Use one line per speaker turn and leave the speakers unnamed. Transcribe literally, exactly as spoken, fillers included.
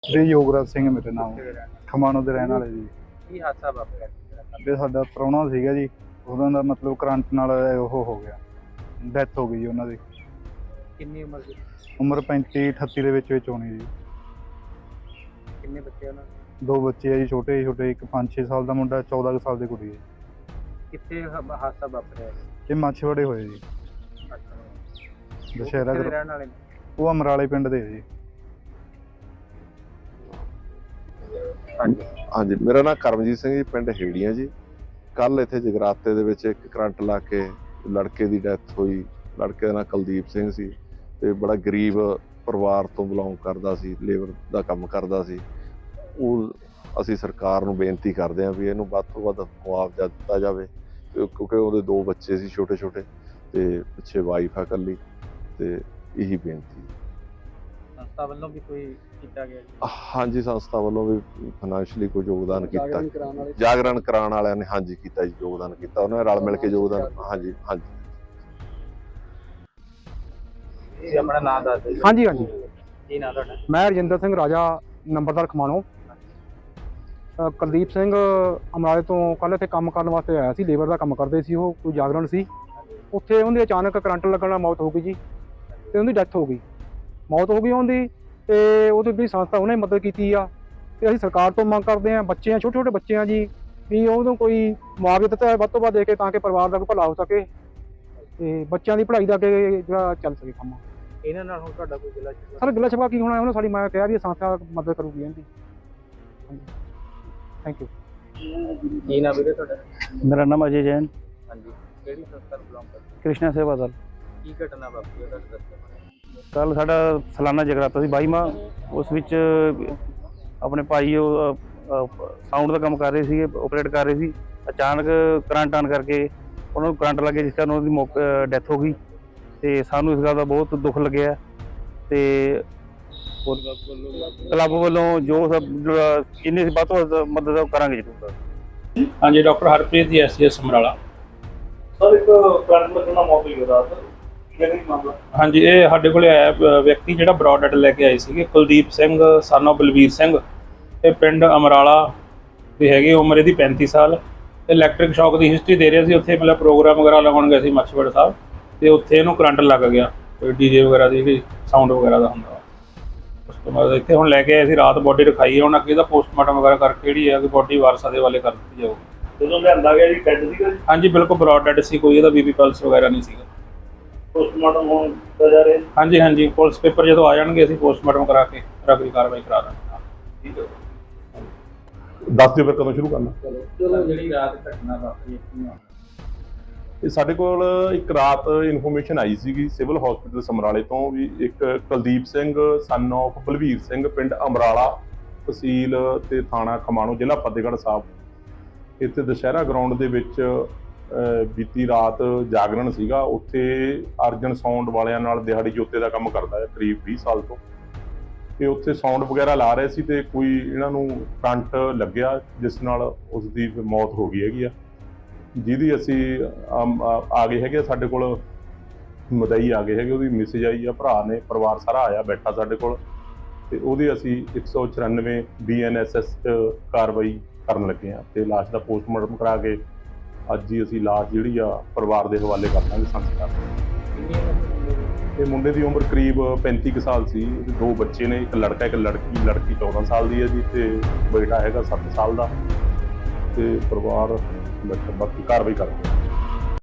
श्री योगराज सिंह मेरे नाम
ਕਿੱਥੇ ਦੇ ਰਹਿਣ ਵਾਲੇ?
खमाणों ਦੇ ਰਹਿਣ ਵਾਲੇ ਜੀ।
ਕੀ ਹਾਦਸਾ ਵਾਪਰਿਆ ਸੀ ਜਿਹੜਾ ਕੱਲ੍ਹ?
ਤੇ ਸਾਡਾ ਪ੍ਰਾਹੁਣਾ ਸੀਗਾ ਜੀ, ਉਹਨਾਂ ਦਾ ਮਤਲਬ ਕਰੰਟ ਨਾਲ ਉਹ ਹੋ ਗਿਆ, ਡੈਥ ਹੋ ਗਈ ਜੀ ਉਹਨਾਂ ਦੀ।
ਕਿੰਨੀ ਉਮਰ ਸੀ?
ਉਮਰ ਪੈਂਤੀ ਅਠੱਤੀ ਦੇ ਵਿੱਚ ਵਿੱਚ ਹੋਣੀ ਜੀ।
ਕਿੰਨੇ ਬੱਚੇ ਉਹਨਾਂ ਦੇ?
ਦੋ ਬੱਚੇ ਆ ਜੀ, ਛੋਟੇ ਛੋਟੇ, ਇੱਕ ਪੰਜ ਛੇ ਸਾਲ ਦਾ ਮੁੰਡਾ, ਚੌਦਾਂ ਕੁ ਸਾਲ ਦੀ ਕੁੜੀ ਹੈ।
ਕਿੱਥੇ ਹ- ਹਾਦਸਾ ਵਾਪਰਿਆ ਸੀ?
ਇਹ ਮਾਛੀਵਾੜੇ ਹੋਏ ਜੀ,
ਅੱਛਾ।
ਦੁਸ਼ਹਿਰਾ
ਕਿੱਥੇ ਦੇ
ਗਰ-
ਰਹਿਣ ਵਾਲੇ ਨੇ?
ਉਹ ਅਮਰਾਲੇ ਪਿੰਡ ਦੇ ਆ ਜੀ।
ਹਾਂਜੀ।
ਹਾਂਜੀ, ਮੇਰਾ ਨਾਮ ਕਰਮਜੀਤ ਸਿੰਘ ਜੀ, ਪਿੰਡ ਹੇੜੀਆਂ ਜੀ। ਕੱਲ ਇੱਥੇ ਜਗਰਾਤੇ ਦੇ ਵਿੱਚ ਇੱਕ ਕਰੰਟ ਲਾ ਕੇ ਲੜਕੇ ਦੀ ਡੈਥ ਹੋਈ। ਲੜਕੇ ਦਾ ਨਾਮ ਕੁਲਦੀਪ ਸਿੰਘ ਸੀ ਤੇ ਬੜਾ ਗਰੀਬ ਪਰਿਵਾਰ ਤੋਂ ਬਿਲੋਂਗ ਕਰਦਾ ਸੀ, ਲੇਬਰ ਦਾ ਕੰਮ ਕਰਦਾ ਸੀ। ਉਹ ਅਸੀਂ ਸਰਕਾਰ ਨੂੰ ਬੇਨਤੀ ਕਰਦੇ ਹਾਂ ਵੀ ਇਹਨੂੰ ਵੱਧ ਤੋਂ ਵੱਧ ਮੁਆਵਜ਼ਾ ਦਿੱਤਾ ਜਾਵੇ, ਕਿਉਂਕਿ ਉਹਦੇ ਦੋ ਬੱਚੇ ਸੀ ਛੋਟੇ ਛੋਟੇ ਤੇ ਪਿੱਛੇ ਵਾਈਫ ਆ ਇਕੱਲੀ, ਤੇ ਇਹੀ ਬੇਨਤੀ।
ਸੰਸਥਾ ਵੱਲੋਂ ਵੀ ਕੋਈ ਕੀਤਾ ਗਿਆ ਜੀ?
ਹਾਂਜੀ, ਸੰਸਥਾ ਵੱਲੋਂ ਵੀ ਫਾਈਨੈਂਸ਼ੀਅਲੀ ਕੋਈ ਯੋਗਦਾਨ ਕੀਤਾ,
ਜਾਗਰਣ ਕਰਾਉਣ ਵਾਲੇ?
ਜਾਗਰਣ ਕਰਾਉਣ ਵਾਲਿਆਂ ਨੇ ਹਾਂਜੀ ਕੀਤਾ ਜੀ, ਯੋਗਦਾਨ ਕੀਤਾ, ਉਹਨਾਂ ਨੇ ਰਲ ਮਿਲ ਕੇ ਯੋਗਦਾਨ। ਹਾਂਜੀ ਹਾਂਜੀ।
ਤੁਸੀਂ ਆਪਣਾ ਨਾਮ ਦੱਸ ਦਿਓ।
ਹਾਂਜੀ ਹਾਂਜੀ
ਕੀ ਨਾਮ ਤੁਹਾਡਾ?
ਮੈਂ ਰਜਿੰਦਰ ਸਿੰਘ ਰਾਜਾ, ਨੰਬਰਦਾਰ ਖਮਾਣੋ। ਅ, ਕੁਲਦੀਪ ਸਿੰਘ ਅਮਰਾਲੇ ਤੋਂ ਕੱਲ੍ਹ ਇੱਥੇ ਕੰਮ ਕਰਨ ਵਾਸਤੇ ਆਇਆ ਸੀ, ਲੇਬਰ ਦਾ ਕੰਮ ਕਰਦੇ ਸੀ ਉਹ, ਕੋਈ ਜਾਗਰਣ ਸੀ। ਉੱਥੇ ਉਹਦੀ ਅਚਾਨਕ ਕਰੰਟ ਲੱਗਣ ਨਾਲ ਮੌਤ ਹੋ ਗਈ ਜੀ, ਤੇ ਉਹਦੀ ਡੈਥ ਹੋ ਗਈ, ਮੌਤ ਹੋ ਗਈ ਉਹਦੀ। ਤੇ ਉਹਦੀ ਜਿਹੜੀ ਸੰਸਥਾ ਉਹਨੇ ਮਦਦ ਕੀਤੀ ਆ, ਤੇ ਅਸੀਂ ਸਰਕਾਰ ਤੋਂ ਮੰਗ ਕਰਦੇ ਹਾਂ, ਬੱਚੇ ਆ, ਛੋਟੇ ਛੋਟੇ ਬੱਚੇ ਆ ਜੀ, ਵੀ ਉਹਨੂੰ ਕੋਈ ਮੁਆਵਜ਼ਾ ਦਿੱਤਾ ਜਾਵੇ ਵੱਧ ਤੋਂ ਵੱਧ ਦੇ ਕੇ, ਤਾਂ ਕਿ ਪਰਿਵਾਰ ਦਾ ਕੋਈ ਭਲਾ ਹੋ ਸਕੇ ਤੇ ਬੱਚਿਆਂ ਦੀ ਪੜ੍ਹਾਈ ਦਾ ਅੱਗੇ ਜਿਹੜਾ ਚੱਲ ਸਕੇ ਕੰਮ।
ਇਹਨਾਂ ਨਾਲ ਹੁਣ ਤੁਹਾਡਾ ਕੋਈ ਗਿਲਾ ਸ਼ਿਕਵਾ?
ਸਰ ਗਿਲਾ ਸ਼ਿਕਵਾ ਕੀ ਹੋਣਾ, ਉਹਨੇ ਸਾਡੀ ਮੈਂ ਕਿਹਾ ਵੀ ਇਹ ਸੰਸਥਾ ਮਦਦ ਕਰੂਗੀ ਇਹਦੀ। Thank you.
ਕੀ ਨਾਮ ਵੀਰੇ ਤੁਹਾਡਾ?
ਮੇਰਾ ਨਾਮ ਅਜੇ ਜੈਨ,
ਹਾਂਜੀ। ਕਿਹੜੀ ਸੰਸਥਾ ਨੂੰ ਬਿਲੋਂਗ ਕਰਦੇ?
ਕ੍ਰਿਸ਼ਨਾ ਸੇਵਾ ਦਲ।
ਕੀ ਘਟਨਾ ਵਾਪਰੀ ਉਹਦਾ ਦੱਸੋ?
ਕੱਲ ਸਾਡਾ ਸਾਲਾਨਾ ਜਗਰਾਤਾ ਸੀ ਬਾਈਵਾਂ, ਉਸ ਵਿੱਚ ਆਪਣੇ ਭਾਈ ਉਹ ਸਾਊਂਡ ਦਾ ਕੰਮ ਕਰ ਰਹੇ ਸੀਗੇ, ਆਪਰੇਟ ਕਰ ਰਹੇ ਸੀ। ਅਚਾਨਕ ਕਰੰਟ ਆਨ ਕਰਕੇ ਉਹਨਾਂ ਨੂੰ ਕਰੰਟ ਲੱਗੇ, ਜਿਸ ਕਾਰਨ ਉਹਨਾਂ ਦੀ ਡੈਥ ਹੋ ਗਈ। ਤੇ ਸਾਨੂੰ ਇਸ ਗੱਲ ਦਾ ਬਹੁਤ ਦੁੱਖ ਲੱਗਿਆ ਤੇ ਕਲੱਬ ਵੱਲੋਂ ਜੋ ਸਭ ਜਿੰਨੀ ਵੱਧ ਤੋਂ ਵੱਧ ਮਦਦ ਉਹ ਕਰਾਂਗੇ ਜ਼ਰੂਰ।
ਹਾਂਜੀ, doctor Harpreet ji, S G S Samrala.
Sir ਇੱਕ ਕਰੰਟ ਲੱਗਣਾ ਮੌਤ ਹੋਈ ਰਾਤ, ਕਿਹੜੀ ਮਾਮਲਾ?
ਹਾਂਜੀ, ਇਹ ਸਾਡੇ ਕੋਲੇ ਆਇਆ ਅ, ਵਿਅਕਤੀ ਜਿਹੜਾ ਬਰੌਡ ਡੈਡ ਲੈ ਕੇ ਆਏ ਸੀਗੇ, ਕੁਲਦੀਪ ਸਿੰਘ son of ਬਲਵੀਰ ਸਿੰਘ। ਇਹ ਪਿੰਡ ਅਮਰਾਲਾ ਦੇ ਹੈਗੇ, ਉਮਰ ਇਹਦੀ ਪੈਂਤੀ ਸਾਲ। ਇਲੈਕਟ੍ਰਿਕ ਸ਼ੌਕ ਦੀ ਹਿਸਟਰੀ ਦੇ ਰਿਹਾ ਸੀ, ਉੱਥੇ ਮਤਲਬ ਪ੍ਰੋਗਰਾਮ ਵਗੈਰਾ ਲਗਾਉਣ ਗਏ ਸੀ ਮਾਛੀਵਾੜਾ ਸਾਹਿਬ, ਤੇ ਉੱਥੇ ਇਹਨੂੰ ਕਰੰਟ ਲੱਗ ਗਿਆ, ਡੀਜੇ ਵਗੈਰਾ ਦੀ ਸਾਊਂਡ ਵਗੈਰਾ ਦਾ ਹੁੰਦਾ। ਉਸ ਤੋਂ ਬਾਅਦ ਇੱਥੇ ਹੁਣ ਲੈ ਕੇ ਆਏ ਸੀ, ਰਾਤ ਬੋਡੀ ਰਖਾਈ ਹੈ, ਹੁਣ ਅੱਗੇ ਦਾ ਪੋਸਟਮਾਰਟਮ ਵਗੈਰਾ ਕਰਕੇ ਜਿਹੜੀ ਹੈ ਕਿ ਬੋਡੀ ਵਾਰਸਾਂ ਦੇ ਵਾਲੇ ਕਰ ਦਿੱਤੀ ਜਾਊਗੀ।
ਜਦੋਂ ਲਿਆਂਦਾ ਗਿਆ ਜੀ ਡੈਡ ਸੀਗਾ ਜੀ,
ਹਾਂਜੀ, ਬਿਲਕੁਲ ਬਰੌਡ ਡੈਡ ਸੀ, ਕੋਈ ਇਹਦਾ ਬੀਪੀ ਪਲਸ ਵਗੈਰਾ ਨਹੀਂ ਸੀਗਾ।
ਪੋਸਟਮਾਰਟਮ ਹੋਣ ਕੀਤਾ ਜਾ ਰਿਹਾ।
ਹਾਂਜੀ ਹਾਂਜੀ, ਪੁਲਿਸ ਪੇਪਰ ਜਦੋਂ ਆ ਜਾਣਗੇ ਅਸੀਂ ਪੋਸਟਮਾਰਟਮ ਕਰਾ ਕੇ ਅਗਲੀ ਕਾਰਵਾਈ ਕਰਾ ਦਾਂਗੇ।
ਠੀਕ ਹੈ।
ਦੱਸ ਦਿਓ ਫਿਰ ਕਦੋਂ ਸ਼ੁਰੂ ਕਰਨਾ।
ਚਲੋ ਜਿਹੜੀ ਰਾਤ ਘਟਨਾ ਵਾਪਰੀ ਕੀ ਨਾਮ?
ਇਹ ਸਾਡੇ ਕੋਲ ਇੱਕ ਰਾਤ ਇਨਫੋਰਮੇਸ਼ਨ ਆਈ ਸੀਗੀ ਸਿਵਲ ਹਸਪੀਟਲ ਸਮਰਾਲੇ ਤੋਂ ਵੀ ਇੱਕ ਕੁਲਦੀਪ ਸਿੰਘ son of ਬਲਵੀਰ ਸਿੰਘ, ਪਿੰਡ ਅਮਰਾਲਾ, ਤਹਿਸੀਲ ਤੇ ਥਾਣਾ ਖਮਾਣੋ, ਜ਼ਿਲ੍ਹਾ ਫਤਿਹਗੜ੍ਹ ਸਾਹਿਬ। ਇੱਥੇ ਦੁਸ਼ਹਿਰਾ ਗਰਾਊਂਡ ਦੇ ਵਿੱਚ ਅਹ, ਬੀਤੀ ਰਾਤ ਜਾਗਰਣ ਸੀਗਾ। ਉੱਥੇ ਅਰਜਨ ਸਾਊਂਡ ਵਾਲਿਆਂ ਨਾਲ ਦਿਹਾੜੀ ਜੋਤੇ ਦਾ ਕੰਮ ਕਰਦਾ ਹੈ ਕਰੀਬ ਵੀਹ ਸਾਲ ਤੋਂ, ਤੇ ਉੱਥੇ ਸਾਊਂਡ ਵਗੈਰਾ ਲਾ ਰਹੇ ਸੀ ਤੇ ਕੋਈ ਇਹਨਾਂ ਨੂੰ ਕਰੰਟ ਲੱਗਿਆ, ਜਿਸ ਨਾਲ ਉਸ ਦੀ ਮੌਤ ਹੋ ਗਈ ਹੈਗੀ ਆ, ਜਿਹਦੀ ਅਸੀਂ ਅਮ, ਆ ਆ ਗਏ ਹੈਗੇ ਸਾਡੇ ਕੋਲ, ਮਦਈ ਆ ਗਏ ਹੈਗੇ, ਉਹਦੀ ਮੈਸੇਜ ਆਈ ਆ, ਭਰਾ ਨੇ, ਪਰਿਵਾਰ ਸਾਰਾ ਆਇਆ ਬੈਠਾ ਸਾਡੇ ਕੋਲ, ਤੇ ਉਹਦੀ ਅਸੀਂ ਇੱਕ ਸੌ ਚੁਰਾਨਵੇਂ ਬੀ ਐਨ ਐਸ ਐਸ ਕਾਰਵਾਈ ਕਰਨ ਲੱਗੇ ਹਾਂ, ਤੇ ਲਾਸ਼ ਦਾ ਪੋਸਟਮਾਰਟਮ ਕਰਾ ਕੇ ਅੱਜ ਹੀ ਅਸੀਂ ਲਾਸ਼ ਜਿਹੜੀ ਆ ਪਰਿਵਾਰ ਦੇ ਹਵਾਲੇ ਕਰ ਦਾਂਗੇ ਸੰਸਕਾਰ।
ਕਿੰਨੀ ਉਮਰ ਦੇ ਮੁੰਡੇ ਦੀ?
ਇਹ ਮੁੰਡੇ ਦੀ ਉਮਰ ਕਰੀਬ ਪੈਂਤੀ ਕੁ ਸਾਲ ਸੀ। ਇਹਦੇ ਦੋ ਬੱਚੇ ਨੇ, ਇੱਕ ਲੜਕਾ ਇੱਕ ਲੜਕੀ। ਲੜਕੀ ਚੌਦਾਂ ਸਾਲ ਦੀ ਹੈ ਜੀ, ਤੇ ਬੇਟਾ ਹੈਗਾ ਸੱਤ ਸਾਲ ਦਾ, ਤੇ ਪਰਿਵਾਰ ਬਾਕੀ ਕਾਰਵਾਈ ਕਰਦੇ।